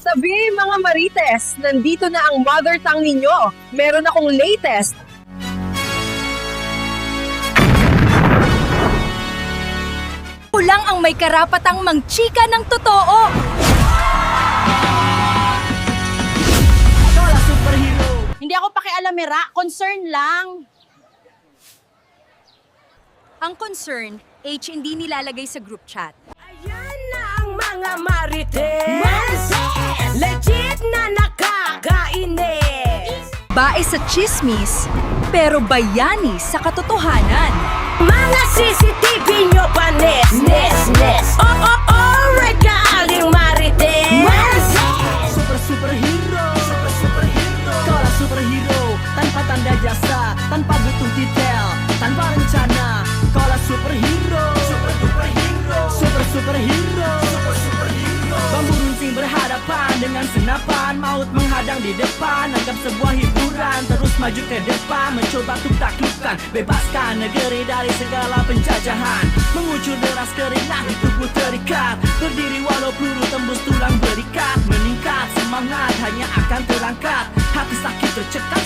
Sabi mga Marites, nandito na ang mother tongue ninyo. Meron akong latest. Ako lang ang may karapatang mangchika ng totoo. Hindi ako pakialamera, concern lang. Ang concern, H hindi nilalagay sa group chat. Ayan na ang mga Marites, legit na nakakainis. Bae sa chismis, pero bayani sa katotohanan. Mga CCTV nyo panis, regaling Marites. Superhero Sekolah superhero tanpa tanda jasa, tanpa butuh detail, tanpa rencana. Sekolah superhero Superhero Bambu runcing berhadapan dengan senapan, maut menghadang di depan. Anggap sebuah hiburan, terus maju ke depan, mencoba untuk taklukkan, bebaskan negeri dari segala penjajahan. Mengucur deras keringat di tubuh terikat, berdiri walau peluru tembus tulang berikat. Meningkat semangat hanya akan terangkat, hati sakit tercekat.